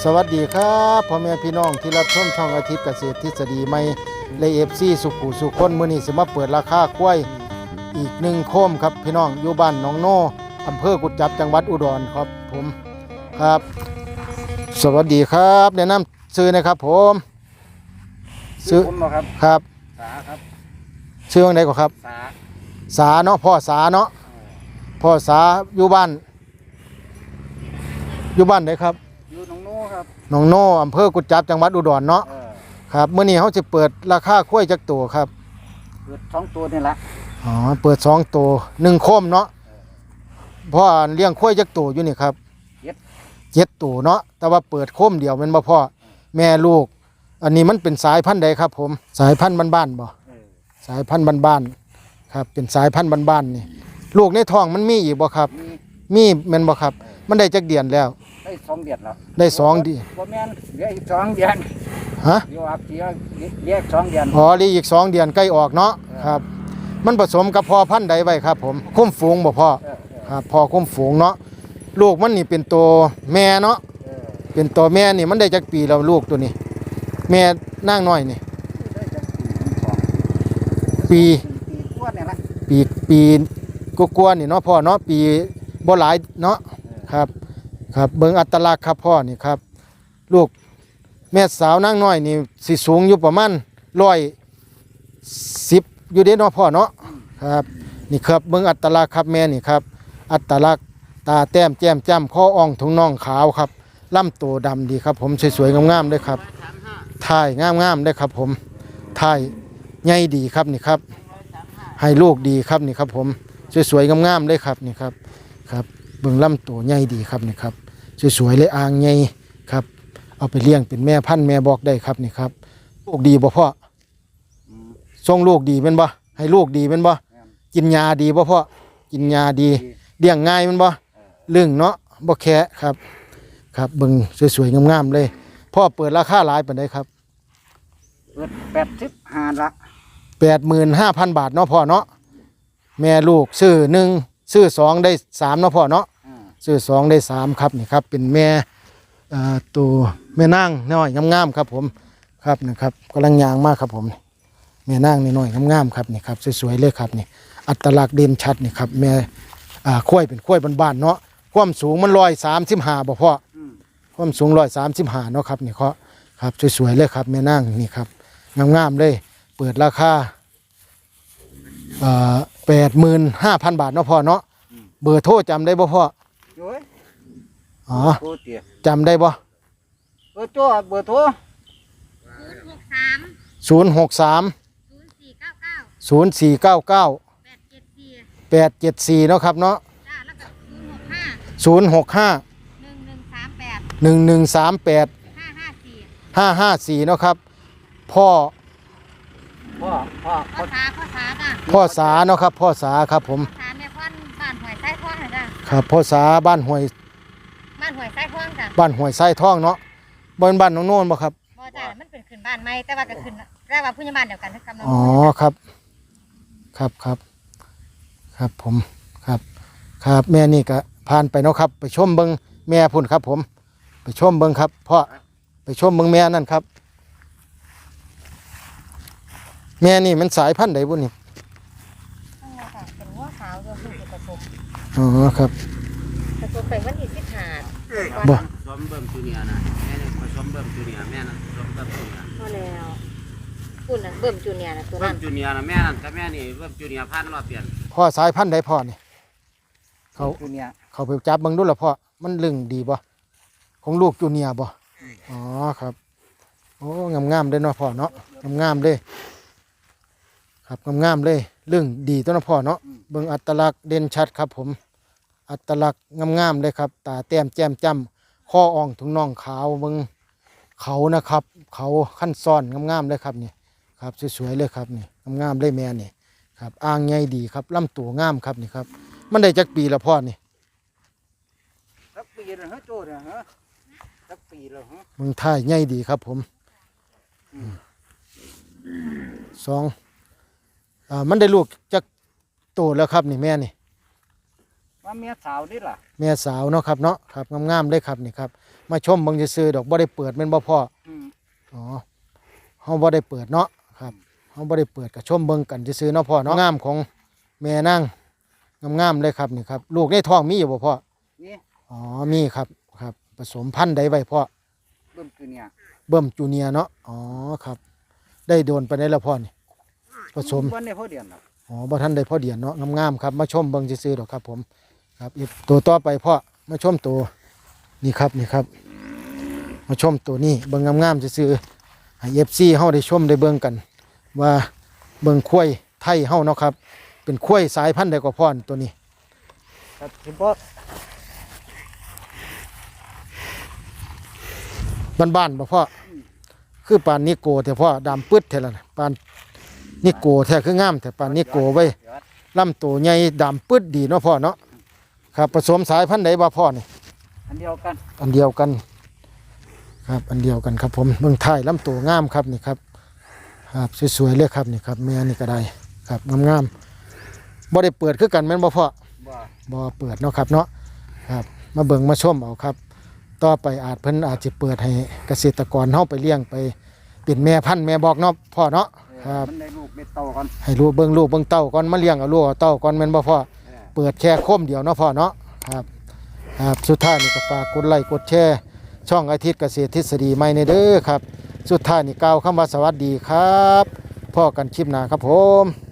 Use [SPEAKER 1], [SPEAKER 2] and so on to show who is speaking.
[SPEAKER 1] สวัสดีครับพ่อแม่พี่น้องที่รับชมช่องอาทิตย์เกษตรทฤษฎีใหม่และFCสุขุสุคนมื้อนี้สิมาเปิดราคากล้วยอีก1โคมครับพี่น้องอยู่บ้านหนองโนอำเภอกุดจับจังหวัดอุดรครับผมครับสวัสดีครับแนะนำชื่อนะครับผม
[SPEAKER 2] ชื่อผมเหรอครับ
[SPEAKER 1] ครับ
[SPEAKER 2] สาครับ
[SPEAKER 1] ชื่อว่าไงก่อนครับสาเนาะพ่อสาเนาะพ่อสาอยู่บ้านไหนครับ
[SPEAKER 2] อยู่หนองโน่ครับ
[SPEAKER 1] หนองโนอำเภอกุดจับจังหวัดอุดรเนาะครับมื้อนี้เขาจะเปิดราคากล้วยจักตัวครับ
[SPEAKER 2] เปิด2ตัวนี่แหละ
[SPEAKER 1] อ๋อเปิด2ตัว1โคมเนาะพ่อเลี้ยงกล้วยจักตัวอยู่นี่ครับ7ตัวเนาะแต่ว่าเปิดโคมเดียวแม่นบ่พ่อแม่ลูกอันนี้มันเป็นสายพันธุ์ใดครับผมสายพันธุ์บ้านๆบ่สายพันธุ์บ้านๆครับเป็นสายพันธุ์บ้านๆนี่ลูกในท้องมันมีอีกบ่ครับมีแม่นบ่ครับมันได้จักเดือนแล้ว
[SPEAKER 2] ได้2 เดือนแล้ว
[SPEAKER 1] ได้2เดือน
[SPEAKER 2] บ่แม่นเหลืออีก2 เดือน
[SPEAKER 1] ฮะ
[SPEAKER 2] เดี๋ยวอักเสียเรียก2 เดือน
[SPEAKER 1] อ๋อเหลืออีก2 เดือนใกล้ออกเนาะครับมันผสมกับพ่อพันธุ์ใดไว้ครับผมคุ้มฝูงบ่พ่อครับพ่อคุ้มฝูงเนาะลูกมันนี่เป็นตัวแม่เนาะเป็นตัวแม่นี่มันได้จักปีแล้วลูกตัวนี้แม่นางน้อยนี่ปี
[SPEAKER 2] กว่านี่ละ
[SPEAKER 1] ปีกว่าๆนี่เนาะพ่อเนาะปีบ่หลายเนาะครับครับเบิ่งอัตลักษณ์ครับพ่อนี่ครับลูกแม่สาวนางน้อยนี่สิสูงอยู่ประมาณ110อยู่เด้เนาะพ่อเนาะครับนี่ครับเบิ่งอัตลักษณ์ครับแม่นี่ครับอัตลักษณ์ตาแต้มแจ่มจ้ำคออ่องถุงน่องขาวครับลำตัวดำดีครับผมสวยๆงามๆด้วยครับถ่ายงามๆด้วยครับผมถ่ายใหญ่ดีครับนี่ครับให้ลูกดีครับนี่ครับผมสวยๆงามๆเลยครับนี่ครับครับเบิ่งลำตัวใหญ่ดีครับนี่ครับสวยๆเลยอ่างใหญ่ครับเอาไปเลี้ยงเป็นแม่พันธุ์แม่บอกได้ครับนี่ครับลูกดีบ่พ่อส่งลูกดีเป็นบ่ให้ลูกดีเป็นบ่กินยาดีบ่พ่อกินยาดีเลี้ยงง่ายเป็นบ่เรื่องเนาะบ่แค่ครับครับเบิ่งสวยๆงามๆเลยพ่อเปิดราคาหลายปานใดครับ
[SPEAKER 2] เปิด85ละ
[SPEAKER 1] 85,000 บาทเนาะพ่อเนาะแม่ลูกซื้อ1ซื้อ2ได้3เนาะพ่อเนาะซื้อ2ได้3ครับนี่ครับเป็นแม่ตัวแม่นางน้อยงามๆครับผมครับนะครับกำลังย่างมากครับผมแม่นางน้อยงามๆครับนี่ครับสวยๆเลยครับนี่อัตลักษณ์เด่นชัดนี่ครับแม่ข้วยเป็นข้วยบ้านๆเนาะความสูงมัน135บ่พ่อความสูง135เนาะครับนี่เคาะครับสวยๆเลยครับแม่นางนี่ครับงามๆเลยเปิดราคา85,000 บาทเนาะพ่อเนาะเบอร์โทรจำได้บ่พ่ออ๋อจำได้บ่
[SPEAKER 2] เบอร์โทร
[SPEAKER 1] 063 0499 874เนาะครับเนาะ065 1138 554เนาะครับพ่อสาเนาะครับพ่อสาครับผม
[SPEAKER 3] บ้านหวยไส้ท่องจ้ะ
[SPEAKER 1] ครับพ่อสาบ้านห้วย
[SPEAKER 3] ไส้ท่องจ้ะ
[SPEAKER 1] บ้านห้วยไส้ท่องเนาะบ้านน้องโน่นบ่ครับ
[SPEAKER 3] บ่จ้ะมันเป็นขึ้นบ้านใหม่แต่ว่าก็ขึ้นแต่ว่าผู้ใหญ่บ้านเดียวกันกับน้อง
[SPEAKER 1] อ๋อครับผมครับแม่นี่ก็ผ่านไปเนาะครับไปชมเบิ่งแม่พุ่นครับผมไปชมเบิ่งครับพ่อไปชมเบิ่งแม่นั่นครับแม่นี่มันสายพันธุ์ใดบุนี่
[SPEAKER 3] เป็นหัวขาวอยู่ที่ผสม
[SPEAKER 1] อ๋อครับ
[SPEAKER 3] ผสมไปวันที่15
[SPEAKER 1] บ่
[SPEAKER 2] ผสมเบิ่มจูเนียร์นะแม่นี่ผสมเบิ่มจูเนียร์แม่นั่นผสมเบิ่มจูเนียร์
[SPEAKER 3] พอแล้วคุณน่ะเบิ่มจูเนียร์นะตัวนั้น
[SPEAKER 2] เบิ่มจูเนียร์นะแม่นั่นกับแม่นี่เบิ่มจูเนียร์พันรอบเปลี่ยน
[SPEAKER 1] พ่อสายพันธุ์ใดพ่อนี่
[SPEAKER 2] จูเนียร์
[SPEAKER 1] เขาไปจับเบิ่งดูล่ะพ่อมันลึงดีบ่ของลูกจูเนียร์บ่อ๋อครับโอ้งามๆเลยเนาะพ่อเนาะงามๆเลยครับงามๆเลยเรื่องดีตัวนะพ่อเนาะเบิ่งอัตลักษณ์เด่นชัดครับผมอัตลักษณ์งามๆเลยครับตาแต้มแจ่มจ้ำข้ออ่องถุงน่องขาวเบิ่งเขานะครับเขาขั้นซ้อนงามๆเลยครับนี่ครับสวยๆเลยครับนี่งามๆเลยแม่นี่ครับอ่างใหญ่ดีครับลำตัวงามครับนี่ครับมันได้จักปีละพ่อนี่
[SPEAKER 2] สักปีแล้วฮะโจ้เนี่ยฮะสักปีแล้วฮะ
[SPEAKER 1] มึงท่ายใหญ่ดีครับผมมันได้ลูกจักโตแล้วครับนี่แม่นี่
[SPEAKER 2] ว่าเมียสาวนี่ล่ะ
[SPEAKER 1] แม่สาวเนาะครับเนาะครับงามๆเลยครับนี่ครับมาชมเบิ่งซื่อๆดอกบ่ได้เปิดแม่นบ่พ่อ
[SPEAKER 2] อืม
[SPEAKER 1] อ๋อเฮาบ่ได้เปิดเนาะครับเฮาบ่ได้เปิดก็ชมเบิ่งกันซื่อๆเนาะพ่อเนาะงามของแม่นางงามๆเลยครับนี่ครับลูกในท้องมีอยู่บ่พ่อ
[SPEAKER 2] นี่
[SPEAKER 1] อ๋อมีครับครับผสมพันธุ์ใดไว้พ่อ
[SPEAKER 2] เบิ่มคือเนี่ย
[SPEAKER 1] เบิ่มจูเนียร์เนาะอ๋อครับได้โดนไปได้แล้วพ่อนี่ผสม
[SPEAKER 2] วันในพอเดือนหรอก
[SPEAKER 1] อ๋อบ่ทันได้พ่อเดียนเนาะงามๆครับมาชมเบิ่งซื่อๆดอกครับผมครับอีกตัวต่อไปพ่อมาชมตัวนี่ครับนี่ครับ มาชมตัวนี้เบิ่งงามๆซื่อๆให้ FC เฮาได้ชมได้เบิ่งกัน ว่าเบิ่งควายไทยเฮาเนาะครับ เป็นควายสายพันธุ์ใดก็พ่อนตัวนี้
[SPEAKER 2] ครับเฉพาะ
[SPEAKER 1] บ้านๆบ่พ่อคือปานนิโกแต่พ่อดำปึ๊ดแท้ละนะปานนิโกแท้คืองามแต่ปานนิโกไว้ลำตัวใหญ่ดำปึ๊ดดีเนาะพ่อเนาะครับผสมสายพันธุ์ใดบ่พ่อนี่
[SPEAKER 2] อันเดียวกัน
[SPEAKER 1] อันเดียวกันครับอันเดียวกันครับผมเมืองไทยลำตัวงามครับนี่ครับครับสวยๆเลยครับนี่ครับแม่นี่ก็ได้ครับงามๆบ่ได้เปิดคือกันแม่นบ่พ่อ
[SPEAKER 2] บ่
[SPEAKER 1] บ่เปิดเนาะครับเนาะครับมาเบิ่งมาชมเอาครับ ต่อไปเพิ่นอาจจะเปิดให้เกษตรกรเฮาไปเลี้ยงไปเป็นแม่พันธุ์แม่บอกเนาะพ่อเนาะครับ
[SPEAKER 2] มันได้ลูกได้เต่ากัน
[SPEAKER 1] ให้ลูกเบิ่งลูกเบิ่งเต้าก่อนมาเลี้ยงเอาลูกเอาเต้าก่อนแม่นบ่พ่อเปิดแค่โคมเดียวเนาะพ่อเนาะครับครับสุดท้ายนี่ก็ฝากกดไลค์กดแชร์ช่องอาทิตย์เกษตรทฤษฎีใหม่ในเด้อครับสุดท้ายนี่กล่าวคำว่าสวัสดีครับพ่อกันคลิปหน้าครับผม